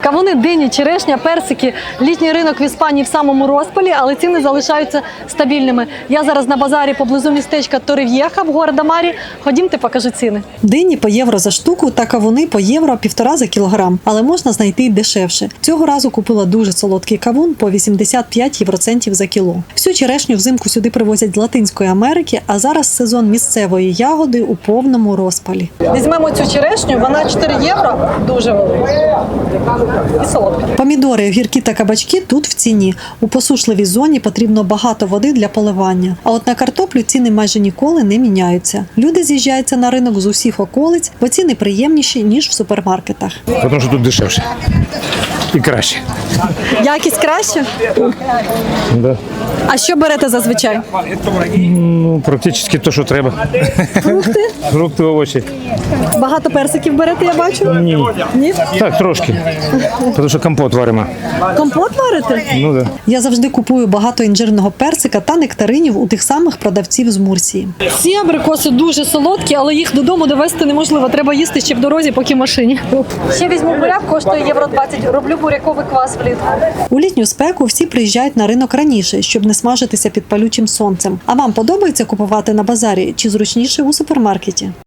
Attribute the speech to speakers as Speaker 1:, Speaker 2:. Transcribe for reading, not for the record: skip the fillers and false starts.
Speaker 1: Кавуни, дині, черешня, персики. Літній ринок в Іспанії в самому розпалі, але ціни залишаються стабільними. Я зараз на базарі поблизу містечка Торрев'єха в Гуардамарі. Ходімте, покажу ціни. Дині по євро за штуку та кавуни по євро 1,5 за кілограм. Але можна знайти й дешевше. Цього разу купила дуже солодкий кавун по 85 євроцентів за кіло. Всю черешню взимку сюди привозять з Латинської Америки, а зараз сезон місцевої ягоди у повному розпалі. Візьмемо цю черешню, вона 4 євро, дуже велика. І солодка. Помідори, огірки та кабачки тут в ціні. У посушливій зоні потрібно багато води для поливання. А от на картоплю ціни майже ніколи не міняються. Люди з'їжджаються на ринок з усіх околиць, бо ціни приємніші, ніж в супермаркетах.
Speaker 2: Тому що тут дешевше і краще.
Speaker 1: Якість краще?
Speaker 2: Да.
Speaker 1: А що берете зазвичай?
Speaker 2: Ну, практично те, що треба.
Speaker 1: Фрукти?
Speaker 2: Фрукти, овочі.
Speaker 1: Багато персиків берете, я бачу?
Speaker 2: Ні.
Speaker 1: Ні?
Speaker 2: Так, трошки. Тому що компот варимо.
Speaker 1: Компот варите?
Speaker 2: Ну, да.
Speaker 1: Я завжди купую багато інжирного персика та нектаринів у тих самих продавців з Мурсії. Ці абрикоси дуже солодкі, але їх додому довезти неможливо. Треба їсти ще в дорозі, поки в машині. Ще візьму буряк, коштує євро 20. Роблю буряковий квас влітку. У літню спеку всі приїжджають на ринок раніше, щоб не смажитися під палючим сонцем. А вам подобається купувати на базарі чи зручніше у супермаркеті?